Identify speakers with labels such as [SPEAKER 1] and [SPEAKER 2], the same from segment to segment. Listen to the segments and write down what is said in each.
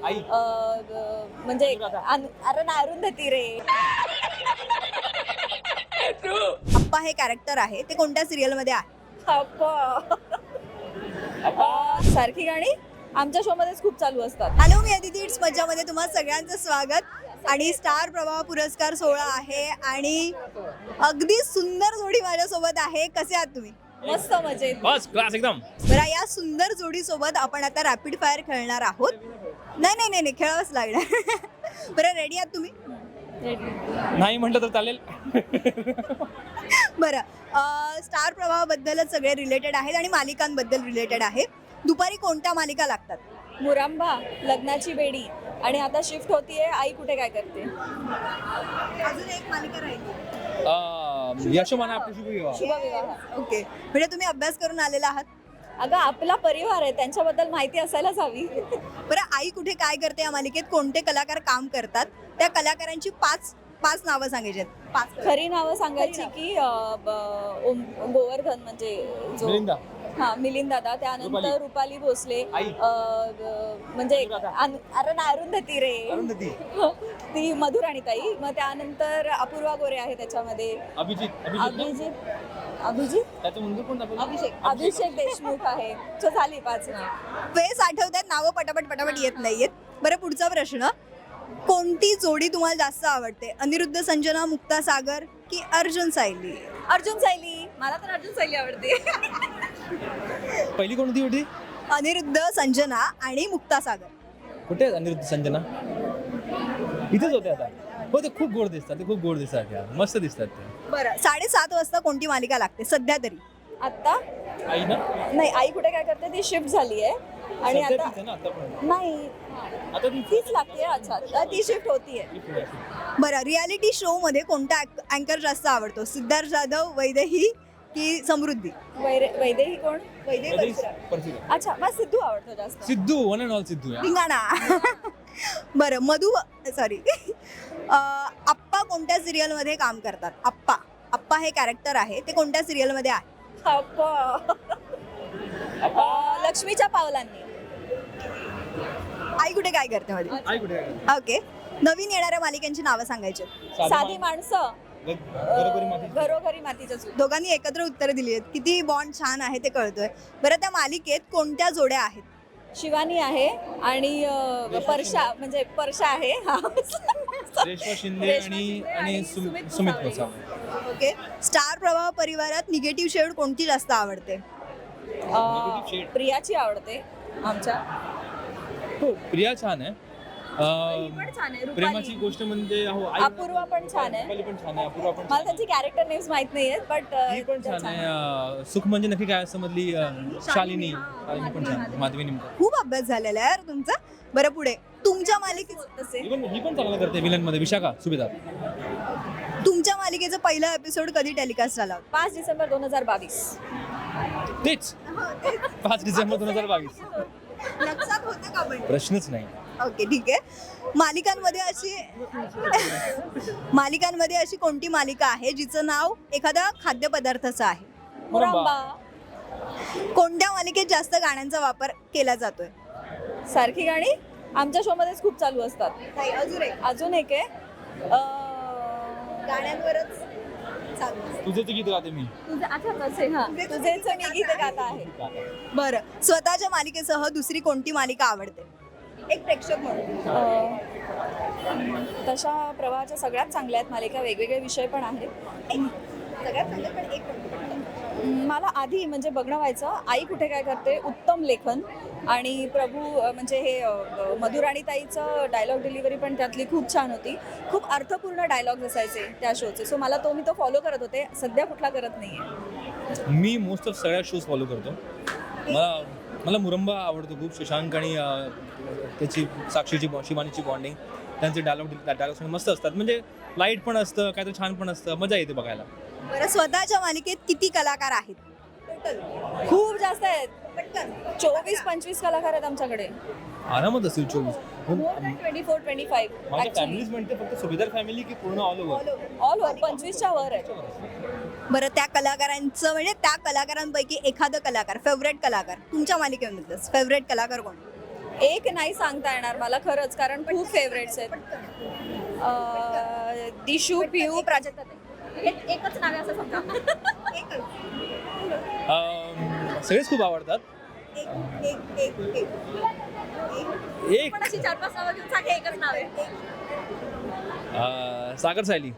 [SPEAKER 1] म्हणजे अरे ना अरुंधती रे.
[SPEAKER 2] अप्पा हे कॅरेक्टर आहे ते कोणत्या सिरियल मध्ये आहे?
[SPEAKER 1] सारखी गाणी आमच्या शो मध्येच खूप चालू असतात.
[SPEAKER 2] हॅलो, मी अदिती इट्स मज्जामध्ये तुम्हा सगळ्यांचं स्वागत. आणि स्टार प्रवाह पुरस्कार सोहळा आहे आणि अगदी सुंदर जोडी माझ्यासोबत आहे. कसे आहात तुम्ही?
[SPEAKER 1] मस्त मजेत.
[SPEAKER 3] बस क्लास एकदम.
[SPEAKER 2] बरं, या सुंदर जोडी सोबत आपण आता रॅपिड फायर खेळणार आहोत. नाही खेळावंच लागणार. बरं, रेडी आहात तुम्ही?
[SPEAKER 3] नाही म्हटलं तर चालेल.
[SPEAKER 2] बरं, स्टार प्रवाहाबद्दलच सगळे रिलेटेड आहेत आणि मालिकांबद्दल रिलेटेड आहे. दुपारी कोणत्या मालिका लागतात?
[SPEAKER 1] मुरांबा, लग्नाची बेडी आणि आता शिफ्ट होतीये आई कुठे काय करते.
[SPEAKER 2] अजून एक मालिका राहिली,
[SPEAKER 3] यशोमाना आपली शुभ विवाह.
[SPEAKER 1] शुभविवाह.
[SPEAKER 2] ओके. म्हणजे तुम्ही अभ्यास करून आलेला आहात.
[SPEAKER 1] अगं आपला परिवार आहे, त्यांच्याबद्दल माहिती असायलाच हवी.
[SPEAKER 2] बरं, आई कुठे काय करते या मालिकेत कोणते कलाकार काम करतात? त्या कलाकारांची पाच नावं सांगायची आहेत. पाच
[SPEAKER 1] खरी नावं सांगायची की गोवर्धन म्हणजे जो
[SPEAKER 3] मिलिंदा.
[SPEAKER 1] मिलिंद दादा, त्यानंतर रुपाली भोसले,
[SPEAKER 3] आई.
[SPEAKER 1] म्हणजे अरे ना अरुंधती रे.
[SPEAKER 3] अरुंधती.
[SPEAKER 1] ती मधुराणीताई. मग त्यानंतर अपूर्वा गोरे आहे त्याच्यामध्ये.
[SPEAKER 3] अभिजित त्याचं मुलगा कोण दाखवलं?
[SPEAKER 1] अभिषेक देशमुख आहे. तो झाली 5 नाव.
[SPEAKER 2] फेस आठवतात, नावं पटापट येत नाहीयेत. बरं, पुढचा प्रश्न. कोणती जोडी तुम्हाला जास्त आवडते? अनिरुद्ध संजना, मुक्ता सागर की अर्जुन सायली?
[SPEAKER 1] अर्जुन सायली. मला तर अर्जुन सायली आवडते.
[SPEAKER 3] पहिली कोणती होती?
[SPEAKER 2] अनिरुद्ध संजना आणि मुक्ता सागर.
[SPEAKER 3] कुठे आहेत अनिरुद्ध संजना? इथेच होते आता. हो, ते खूप गोड दिसतात यार. मस्त दिसतात ते.
[SPEAKER 2] बरं, 7:30 वाजता कोणती मालिका लागते सध्या तरी?
[SPEAKER 1] आता
[SPEAKER 3] आई ना?
[SPEAKER 1] नाही, आई कुठे काय करते ती शिफ्ट झाली आहे आणि
[SPEAKER 3] सध्या
[SPEAKER 1] आता
[SPEAKER 3] तीच आहे ना आता पण.
[SPEAKER 1] नाही,
[SPEAKER 3] आता ती
[SPEAKER 1] तीच लागते. अच्छा, ती शिफ्ट होतीये.
[SPEAKER 2] बरं, रियालिटी शो मध्ये कोणता अँकर जास्त आवडतो? सिद्धार्थ जाधव, वैदेही की समृद्धी?
[SPEAKER 1] वैदेही कोण?
[SPEAKER 2] वैदेही
[SPEAKER 3] परफेक्ट.
[SPEAKER 1] अच्छा, मला सिद्धू आवडतो जास्त.
[SPEAKER 3] Siddhu, one and all Siddhu यार.
[SPEAKER 2] धिंगाणा. बरं, सॉरी अप्पा कोणत्या सिरियल मध्ये काम करतात? अप्पा हे कॅरेक्टर आहे ते कोणत्या सिरियल मध्ये आहे?
[SPEAKER 1] लक्ष्मीच्या पावलांनी.
[SPEAKER 2] आई कुठे काय करते मध्ये?
[SPEAKER 3] आई कुठे आहे?
[SPEAKER 2] ओके. नवीन येणाऱ्या मालिकांची नावं सांगायची.
[SPEAKER 1] साधी माणसं,
[SPEAKER 3] घरोघरी माती.
[SPEAKER 1] घरोघरी मातीचं चूल.
[SPEAKER 2] दोघांनी एकत्र उत्तरं दिली आहेत. किती बॉन्ड छान आहे ते कळतोय. बरं, त्या मालिकेत कोणत्या जोड्या आहेत?
[SPEAKER 1] शिवानी आहे आणि परशा आहे.
[SPEAKER 3] रेश्मा शिंदे आणि सुमित गोसावी.
[SPEAKER 2] ओके. स्टार प्रवाह परिवारात निगेटिव्ह शेड कोणती जास्त आवडते?
[SPEAKER 1] प्रियाची आवडते आमच्या.
[SPEAKER 3] हो, प्रिया छान आहे.
[SPEAKER 1] ही पण छान आहे.
[SPEAKER 3] प्रेमाची
[SPEAKER 1] रुपाली.
[SPEAKER 3] गोष्ट म्हणजे
[SPEAKER 1] अपूर्वा पण छान आहे.
[SPEAKER 3] रुपाली पण छान आहे. अपूर्वा पण
[SPEAKER 1] मला त्यांची कॅरेक्टर नेम्स माहित नाहीयेत, बट
[SPEAKER 3] ही पण छान आहे. सुख म्हणजे नक्की काय असं मधली शालिनी पण छान आहे. माधवी निमकर.
[SPEAKER 2] खूप अभ्यास झालेला आहे यार तुमचा. बरं, पुढे तुमच्या मालिकेत
[SPEAKER 3] ही पण चांगलं करते विलन मध्ये. विशाखा सुभेदार.
[SPEAKER 2] तुमच्या मालिकेचा पहिला एपिसोड कधी टेलिकास्ट झाला होता?
[SPEAKER 1] 5 डिसेंबर 2022.
[SPEAKER 3] तेच 5 डिसेंबर 2022.
[SPEAKER 2] लक्षात होतं का पण?
[SPEAKER 3] प्रश्नच नाही.
[SPEAKER 2] ओके, ठीक आहे. मालिकांमध्ये अशी कोणती मालिका आहे जिचं नाव एखाद्या खाद्यपदार्थाचं आहे?
[SPEAKER 1] मुरांबा.
[SPEAKER 2] कोणत्या मालिकेत जास्त गाण्यांचा वापर केला जातोय?
[SPEAKER 1] सारखी गाणी आमच्या शो मध्येच खूप चालू असतात.
[SPEAKER 2] नाही,
[SPEAKER 1] अजून एक आहे
[SPEAKER 2] गाण्यांवरच चालू आहे.
[SPEAKER 3] तुझं गीत गाते मी.
[SPEAKER 1] तुझेच मी गीत गाता आहे.
[SPEAKER 2] बरं, स्वतःच्या मालिकेसह दुसरी कोणती मालिका आवडते एक प्रेक्षक म्हणून?
[SPEAKER 1] तशा प्रवाहाच्या सगळ्यात चांगल्या आहेत मालिका. वेगवेगळे विषय पण आहेत.
[SPEAKER 2] सगळ्यात चांगलं पण एक कोणती?
[SPEAKER 1] मला आधी म्हणजे बघणं व्हायचं आई कुठे काय करते, उत्तम लेखन आणि प्रभू म्हणजे हे मधुराणीताईचं डायलॉग डिलिव्हरी पण त्यातली खूप छान होती. खूप अर्थपूर्ण डायलॉग्स असायचे त्या शोचे. सो मी तो फॉलो करत होते. सध्या कुठला करत नाहीये.
[SPEAKER 3] मी मोस्ट ऑफ सगळ्या शोज फॉलो करतो. मला मुरंबा आवडतो खूप. शशांक आणि त्याची साक्षीची शिवानीची बॉन्डिंग, त्यांचे डायलॉग्स मस्त असतात. म्हणजे लाईट पण असतं, काहीतरी छान पण असतं, मजा येते बघायला.
[SPEAKER 2] बरं, स्वतःच्या मालिकेत किती कलाकार आहेत टोटल?
[SPEAKER 1] खूप जास्त आहेत. 24-25 कलाकार आहेत आमच्याकडे.
[SPEAKER 3] आरामात असेल 24.
[SPEAKER 1] More than 24-25.
[SPEAKER 3] माझ्या फॅमिलीज म्हणते फक्त सुभेदार फॅमिली की पूर्ण ऑल ओव्हर?
[SPEAKER 1] ऑल ओव्हर 25च्या वर आहे.
[SPEAKER 2] बरं, त्या कलाकारांचं म्हणजे त्या कलाकारांपैकी एखादं कलाकार, फेवरेट कलाकार तुमच्या मालिकेमधलं फेवरेट कलाकार कोण?
[SPEAKER 1] एक नाही सांगता येणार मला खरंच, कारण खूप फेवरेट्स आहेत. दिशू, पियू, प्राजक्ता. एकच नाव आहे असं समजा.
[SPEAKER 3] सगळेच खूप आवडतात. एक
[SPEAKER 1] पण अशी 4-5 नावं घेऊन सांग, एकच नाव आहे.
[SPEAKER 3] सागर सायली.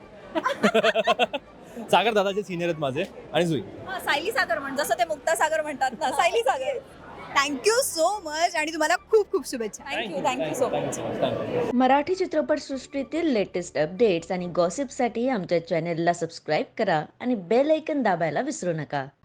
[SPEAKER 3] सागर दादाचे सिनियर आहेत माझे आणि जुई.
[SPEAKER 1] सायली सागर म्हण, जसं ते मुक्ता सागर म्हणतात ना, Sayali Sagar.
[SPEAKER 2] Thank you so much आणि तुम्हाला खूप खूप शुभेच्छा.
[SPEAKER 1] Thank you so much.
[SPEAKER 4] मराठी चित्रपटसृष्टीतील लेटेस्ट अपडेट्स आणि गॉसिपसाठी आमच्या चॅनेलला सबस्क्राईब करा आणि बेल ऐकन दाबायला विसरू नका.